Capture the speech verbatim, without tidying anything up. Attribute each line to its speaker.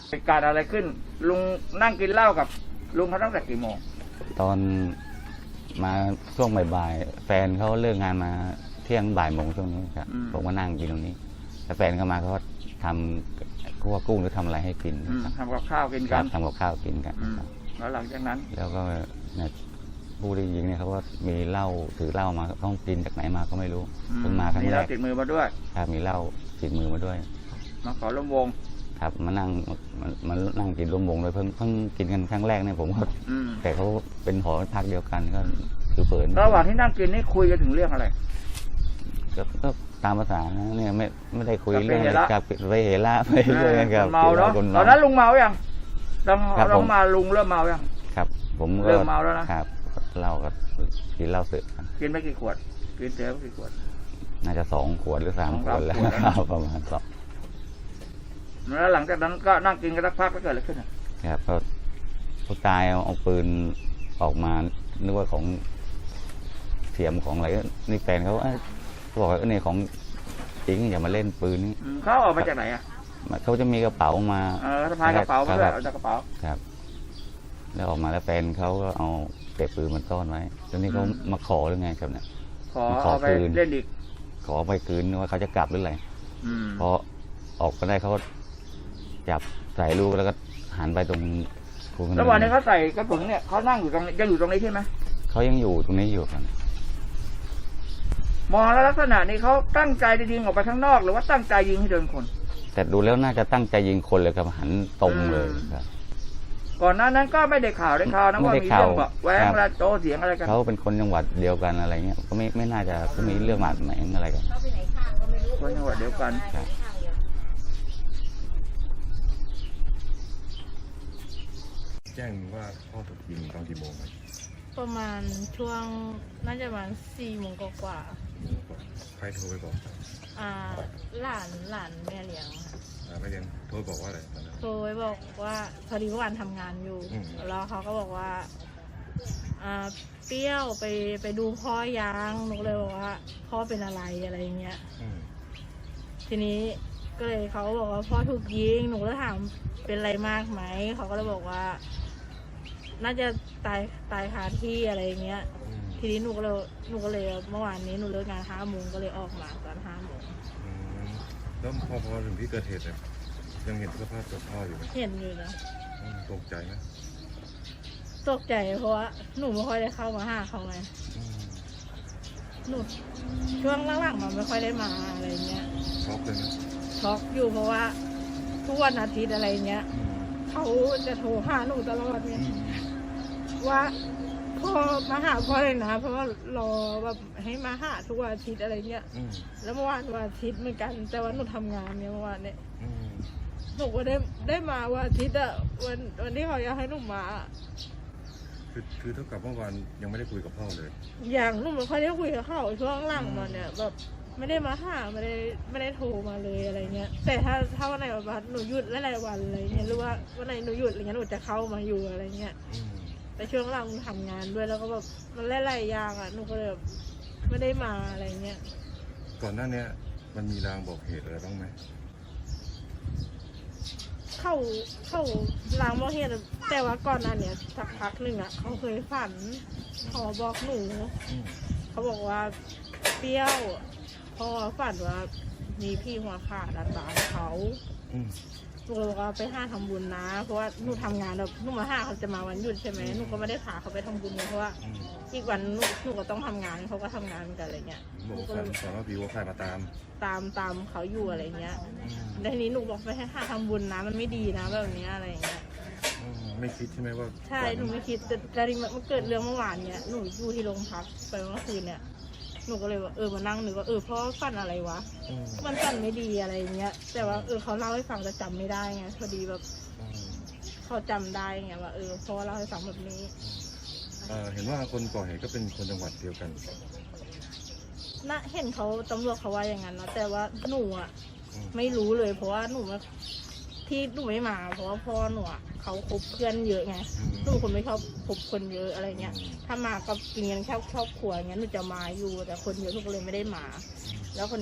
Speaker 1: เหตุการณ์อะไรขึ้นลุงนั่งกินเหล้ากับลุงเขาตั้งแต่กี่โมง
Speaker 2: ตอนมาช่วงบ่ายๆแฟนเขาเลิกงานมาเที่ยงบ่ายโมงช่วงนี้ครับผมก็นั่งกินตรงนี้แล้วแฟนเขามาเขาก็ทำคั่วกุ้งหรือทำอะไรให้กิน
Speaker 1: ทำกับข้าวกินกัน
Speaker 2: ทำกับข้าวกินกัน
Speaker 1: แล้วหลังจากนั้น
Speaker 2: แล้วก็ผู้ที่ยิงเนี่ยเขาก็มีเหล้าถือเหล้ามาต้องกินจากไหนมาก็ไม่รู้เพิ่งมาครั้งแรก
Speaker 1: มีเหล้าติดมือมาด้วย
Speaker 2: ครับมีเหล้าติดมือมาด้วย
Speaker 1: มาขอร่วมวง
Speaker 2: ครับมานั่งมานั่งกินร่วมวงเลยเพิ่งเพิ่งกินกันครั้งแรกเนี่ยผมก็แต่เขาเป็นหอพักเดียวกันก็คือเปิด
Speaker 1: ระหว่างที่นั่งกินนี่คุยกันถึงเรื่องอะไร
Speaker 2: ก็ตามภาษาเนี่ยไม่ไม่ได้คุยเรื่องกับไปเฮล่าไปเรื่องกับ
Speaker 1: เมาเนาะตอนนั้นลุงเมายังตอนเรามาลุงเริ่มเมายัง
Speaker 2: ครับผม
Speaker 1: เริ่มเมาแล้วนะครับ
Speaker 2: เราก็กินเหล้าเสร็จ
Speaker 1: กินไม่กี่ขวดกินเสร็จกี่ขวด
Speaker 2: น่าจะสองขวดหรือสามขวดแล้วประมาณสอง
Speaker 1: แล้วหลังจากนั้นก็นั่งกินกันสักพักแล้วเกิดอะไรขึ้น
Speaker 2: ครับก็ผู้ตายเอาเอาปืนออกมานึกว่าของเสียมของอะไรนี่แฟนเขาบอกว่าเนี่ยของจริงอย่ามาเล่นปืนนี่
Speaker 1: เขาออกมาจากไหนอ่ะ
Speaker 2: เขาจะมีกระเป๋ามา
Speaker 1: เออสะพายกระเป๋ามาด้วยเอาจากกระเป๋า
Speaker 2: ครับแล้วออกมาแล้วแฟนเขาก็เอาเก็บปืนมันซ่อนไว้ตอนนี้เขามาขอหรือไงครับเนี่ย
Speaker 1: ขอเอาไปเล่นอีก
Speaker 2: ขอไปคืนว่าเขาจะกลับหรืออะไรพอออกก็ได้เขาจับใส่ลูกแล้วก็หันไปตรง
Speaker 1: ระหว่างนี้เขาใส่กระสุนเนี่ยเขานั่งอยู่ตรงยังอยู่ตรงนี้ใช่ไหม
Speaker 2: เขายังอยู่ตรงนี้อยู่ครับ
Speaker 1: มองแล้วลักษณะนี้เขาตั้งใจจะยิงออกไปข้างนอกหรือว่าตั้งใจยิงให้โดนคน
Speaker 2: แต่ดูแล้วน่าจะตั้งใจยิงคนเลยครับหันตรงเลยครับ
Speaker 1: ก่อนหน้านั้นก็ไม่ได้ข่าวได้ข่าวนะว่ามีเรื่องแบบแหวงระโจเสียงอะไรกัน
Speaker 2: เขาเป็นคนจังหวัดเดียวกันอะไรเงี้ยก็ไม่ไม่น่าจะมีเรื่องหมาดหมางอะไรกัน
Speaker 1: คนจังหวัดเดียวกัน
Speaker 3: แจ้งว่าพ่อถูกยิงตอนกี่โมง
Speaker 4: ประมาณช่วงน่าจะประมาณสี่โมงกว่า
Speaker 3: ใครโทรไปบอก
Speaker 4: อ่าหลานหลานแม่เลี้ยง
Speaker 3: ค่ะแม่เลี้ยงโทรบอกว่าอะไรตอนนั้น
Speaker 4: โทรไปบอกว่าพอดีเมื่อวานทำงานอยู่แล้วเขาก็บอกว่าอ่าเปรี้ยวไปไปดูพ่อยางหนูเลยบอกว่าพ่อเป็นอะไรอะไรเงี้ยทีนี้ก็เลยเขาบอกว่าพ่อถูกยิงหนูก็ถามเป็นอะไรมากไหมเขาก็เลยบอกว่าน่าจะตายตายคาที่อะไรเงี้ยทีนี้หนูก็เลยหนูก็เลยเมื่อวานนี้หนูเลิกงานห้าโมงก็เลยออกมาตอนห้าโมง
Speaker 3: แล้วพอพอถึงที่เกิดเหตุเนี่ยยังเห็นสภาพศพพ่ออยู่ไหม
Speaker 4: เห็นอยู่นะ
Speaker 3: ตกใจไหม
Speaker 4: ตกใจเพราะว่าหนูไม่ค่อยได้เข้ามาหาเขาไงหนูช่วงหลังๆมันไม่ค่อยได้มาอะไรเงี้ย
Speaker 3: ช็อกเลยนะ
Speaker 4: ช็อกอยู่เพราะว่าทุกวันอาทิตย์อะไรเงี้ยเขาจะโทรหาหนูตลอดเนี่ยว่าพ่อมาหาพ่อเลยนะเพราะว่ารอแบบให้มาหาทุกวันอาทิตย์อะไรเงี้ยแล้วเมื่อวานวันอาทิตย์เหมือนกันแต่ว่าหนูทำงานเนี่ยเมื่อวานเนี่ยหนูก็ได้ได้มาวันอาทิตย์อะวันวันที่เขาอยากให้หนูมา
Speaker 3: คือคือเท่ากับเมื่อวานยังไม่ได้คุยกับพ่อเลย
Speaker 4: อย่างหนูไม่ค่อยได้คุยกับเขาช่วงหลังมาเนี่ยแบบไม่ได้มาหาไม่ได้ไม่ได้โทรมาเลยอะไรเงี้ยแต่ถ้าถ้าวันไหนแบบหนูหยุดหลายวันอะไรเงี้ยหรือว่าวันไหนหนูหยุดอะไรเงี้ยหนูจะเข้ามาอยู่อะไรเงี้ยแต่ช่วงหลังทำงานด้วยแล้วก็แบบมันหลายๆอย่างอ่ะหนูก็เลยแบบไม่ได้มาอะไรเงี้ย
Speaker 3: ก่อนหน้านี้มันมีรางบอกเหตุอะไรบ้างไหม
Speaker 4: เข้าเข้าลางบอกเหตุแต่ว่าก่อนหน้านี้สักพักหนึ่งอ่ะเขาเคยฝันเขาบอกหนูเขาบอกว่าเปรี้ยวพอฝันว่ามีพี่หัวขาดตามเขาหนูเลยบอกว่าไปห้าทำบุญนะเพราะว่าหนูทำงานแบบหนูมาห้าเขาจะมาวันหยุดใช่ไหมหนูก็ไม่ได้พาเขาไปทำบุญเพราะว่าอีกวันหนูหนูก็ต้องทำงานเขาก็ทำงานกันอะไรเงี้ย
Speaker 3: หนูก็เลยสอนว่าพี่หัวขาดมาตาม
Speaker 4: ตามตามเขาอยู่อะไรเงี้ยในนี้หนูบอกไปให้ห้าทำบุญนะมันไม่ดีนะแบบนี้อะไรเงี้ย
Speaker 3: ไม่คิดใช่ไหมว่า
Speaker 4: ใช่หนูไม่คิดแต่แต่มันเกิดเรื่องเมื่อวานเนี้ยหนูอยู่ที่โรงพักไปเมื่อคืนเนี่ยหนูก็เลยว่าเออมานั่งนึกว่าเออพ่อฝันอะไรวะมันฝันไม่ดีอะไรเงี้ยแต่ว่าเออเขาเล่าให้ฟังแต่จำไม่ได้ไงพอดีแบบเขาจำได้ไงว่าเออพ่อเล่าให้ฟังแบบนี้
Speaker 3: เห็นว่าคนก่อเหตุก็เป็นคนจังหวัดเดียวกัน
Speaker 4: น่ะเห็นเขาตำรวจเขาว่าอย่างนั้นนะแต่ว่าหนูอ่ะไม่รู้เลยเพราะว่าหนูที่หนูไม่มาเพราะว่าพ่อหนูเขาคบเพื่อนเยอะไงหนูคนไม่ชอบคบคนเยอะอะไรเงี้ยถ้ามาก็กินกันแค่ครอบครัวเงี้ยหนูจะมาอยู่แต่คนเยอะหนูก็เลยไม่ได้มาแล้วคน